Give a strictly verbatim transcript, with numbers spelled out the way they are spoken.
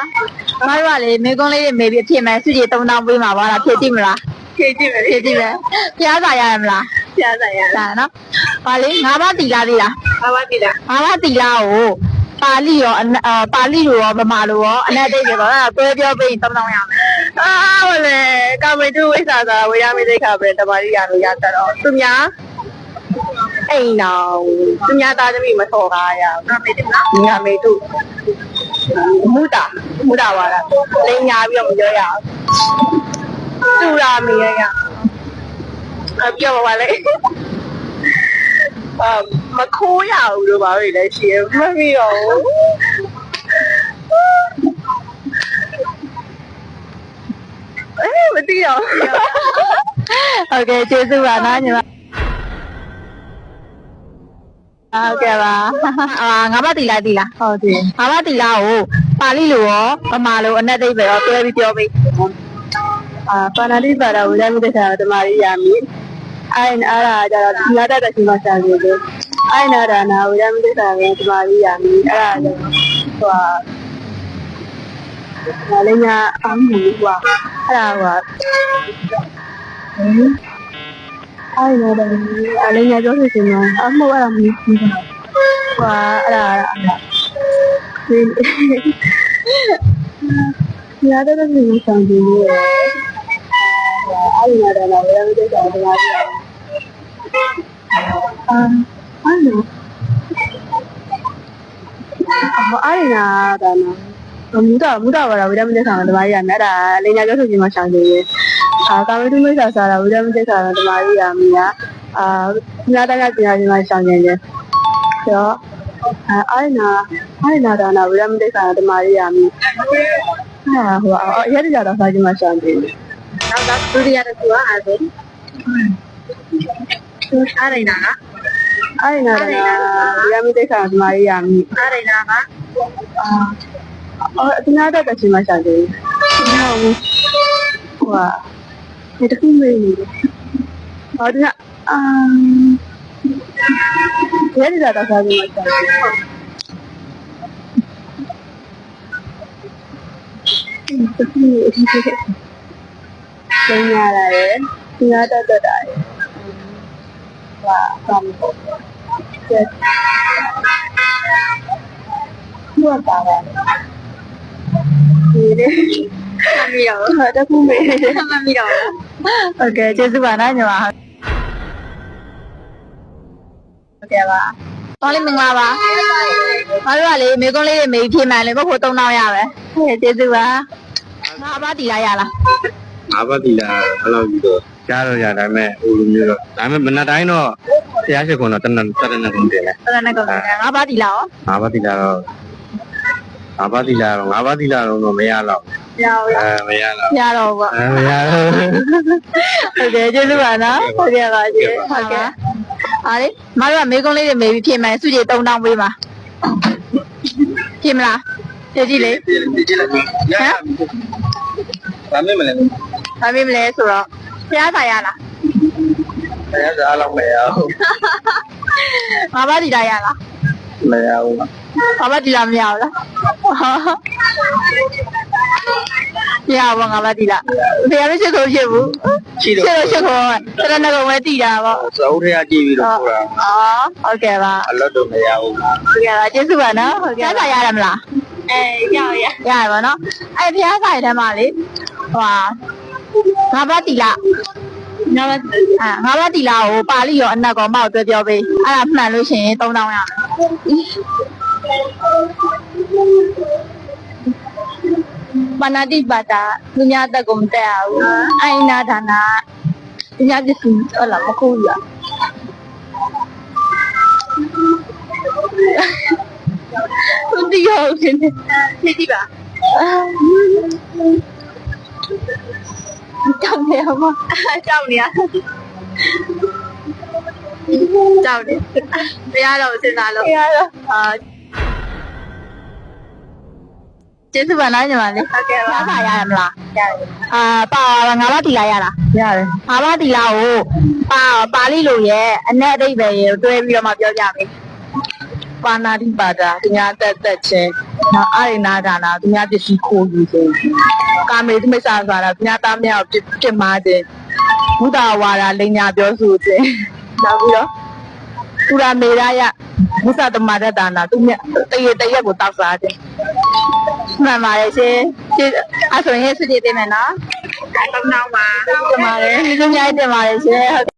မတို့ကလေမိကုန်းလေးတွေမေးပြီးဖြစ်မယ်စုကြည်သုံးတောင်းပေးမှာပါလားဖြစ်ကြည့်မလားဖြစ်ကြည့်မယ်ဖြစ်ကြည့်မယ်ဖျားစာရရမလားဖျားစာရရနော်ဟာလေငါးပါးတီလာသေးလားငါးပါးတီလာငါးပါးတီလာကိုပါဠိရောပါဠိလိုရောဗမာလိုရောအနက်တိတ်တွေပေါ့အဲ့ဒါတွဲပြောပြီးသုံးတောင်းရမယ်အာဟုတ်လေကာမေတုဝိစာသာဝေယမိသိခါပဲတမာရီရလို့ရတတ်တော့သူများအိမ်တော်သူများသားသမီးမစော်ကားရအောင်ငါမေတုနော်ငါမေတုမူတာမူတာပါလားလိန်ညာပြီးတော့မပြောရအောင်သူရာမေရရအပြောပါလေအမခိုးရဘူးလို့ပါပဲလေရှင်မမီတော့အေးမသိတော့โอเคကျေးဇူးပါနော်ညီမဟုတ်ကဲ့ပါအာငါးပါးတီလာတီလာဟုတ်တယ်ငါးပါးတီလာကိုပါဠိလိုရောဗမာလိုအနက်သိပ်ပဲရောတွဲပြီးပြောပေးအာပါဏာတိပါဒဝိဇ္ဇာမိတ္တဓမ္မရိယာမိအိုင်အားရကြတော့ဒီလာတတ်တဲ့ရှင်မဆရာကြီးတွေအိုင်နာဒါနာဝိဇ္ဇာမိတ္တဓမ္မရိယာမိအဲ့ဒါကြောင့်ဟိုဟာလည်းညာအမှုကွာအဲ့ဒါကွာအိုင်နာဒါအလည်းညာပြောလို့ရှင်မအမှုအဲ့ဒါမသိဘူးကွာအဲ့ဒါဒီဒီလာတတ်တဲ့ရှင်မဆရာကြီးတွေအဲ့ဒီနာဒါနာဝိဇ္ဇာမိတ္တဓမ္မရိယာမိအာအဲ့လိုအဲ့ဒီနာဒါနာမူတာမူတာပါလားဝိဒမတိဆာဓမ္မကြီးရမယ်အဲ့ဒါလိညာပြောဆိုခြင်းမှာရှောင်နေတယ်အာကာဝိတုမိစ္ဆာဆာဝိဒမတိဆာဓမ္မကြီးရမိကအာညာတကပညာရှင်မှာရှောင်နေတယ်ဆိုတော့အဲ့ဒီနာအဲ့ဒီနာဒါနာဝိဒမတိဆာဓမ္မကြီးရမိဟာဟိုအရေးကြတော့စာခြင်းမှာရှောင်နေတယ်နောက်ကဒုတိယတစ်ခုကအဲ့ဒါသူအားရနာအားရနာရမိတဲ့ခါမာရီယာမိအားရနာကအာအော်ဒီနာတော့တချင်မရှာတယ်ဟုတ်ဟွာဒီတခုမေးနေတယ်ဟောဒီကအာဒီရတာတော့စားပြီးမရှာတယ်ဒီတခုမေးအဖြစ်ဖြစ်ကျင်းရတာရယ်ဒီနာတော့တက်တာရယ်ว่าทำเจ็ดนวดตาแบบนี่เลยทำมีหรอจะพูดไหมทำมีหรอโอเคเจ๊สุวรรณညီမโอเคပါတော်လေးမင်္ဂလာပါမတို့ကလေမေကုန်းလေးတွေမေးဖြေမှန်လေဘုဖို့သုံးတောင်းရပဲကျေးဇူးပါငါးပါးတီလာရလားငါးပါးတီလာဘယ်လောက်ကြီးတော့ကြားတော့ရဒါပေမဲ့ဟိုလိုမျိုးတော့ဒါပေမဲ့မနက်တိုင်းတော့တရားရှိခွန်တော့တနက်တနက်ကုန်တယ်လေတနက်ကုန်တယ်ငါးပါးတီလာရောငါးပါးတီလာတော့ငါးပါးတီလာတော့ငါးပါးတီလာတော့မရတော့မရဘူးအဲမရတော့မရတော့ဘူးအဲမရတော့ဟုတ်တယ်ကျေးဇူးပါနော်ဟုတ်ကဲ့ပါကျေးဟုတ်ကဲ့အားလေမတို့ကမေကုန်းလေးတွေမေးပြီးဖြေမယ်စုကြည်သုံးတောင်းပေးပါဖြေမလားဖြေကြည့်လေဖြေကြည့်လိုက်ဟမ်ဘာမေးမလဲဘာမေးမလဲဆိုတော့ဖျားစာရလားဖျားစာတော့မရဘူးငါးပါးတီလာရလားမရဘူးငါးပါးတီလာမရဘူးလားရပါငါးပါးတီလာဖျားမရှိခိုးဖြစ်ဘူးရှိတော့ရှိခိုးတရဏဂုံပဲတီတာပေါ့သအုပ်ထဲကကြည့်ပြီးတော့ပို့တာအော်ဟုတ်ကဲ့ပါအလွတ်တော့မရဘူးဟုတ်ကဲ့ပါကျေးဇူးပါနော်ဟုတ်ကဲ့ဖျားစာရတယ်မလားအေးရရရရပါနော်အဲ့ဖျားစာရတဲ့မှာလေဟိုငါးပါးတီလာငါးပါးအာငါးပါးတီလာကိုပါဠိရောအနက်ကောမောက်တွဲပြောပေးအဲ့ဒါမှန်လို့ရှိရင်သုံးတောင်းရမယ်ပဏာတိပါတာသူများတက်ကုန်တက်အောင်အိုင်နာဒါနာသူများပစ္စည်းဟုတ်လားမခိုးရသူတီးရောရှင်နေကြည့်ပါကြောက်နေအောင်ကြောက်နေရကြောက်နေတရားတော်စဉ်းစားလို့တရားတော်အာကျေးဇူးပါနော်ညီမလေးဟုတ်ကဲ့ပါပါရရမလားရတယ်အာပါငါးပါးတီလာရလားရတယ်ငါးပါးတီလာကိုပါပါဠိလိုရဲ့အနက်အဓိပ္ပာယ်ရေတွဲပြီးတော့မှပြောကြမယ်ပါဏာတိပါဒသူများတက်တက်ချင်းနော်အာရိနာဒါနာသူများပစ္စည်းခိုးယူခြင်းကာမေသူမိစ္ဆာဆိုတာသူများသားများကိုပြစ်မှားခြင်းဘုဒ္ဓဝါဒလိညာပြောဆိုခြင်းနောက်ပြီးတော့ပုရမေရယမုသတမရတနာသူမြတရေတရက်ကိုတောက်စားခြင်းမှန်ပါရဲ့ရှင်အဲ့ဆိုရင်စစ်ကြည့်ပေးမယ်နော်အဲ့တော့နောက်ပါတင်ပါတယ်သူများတင်ပါတယ်ရှင်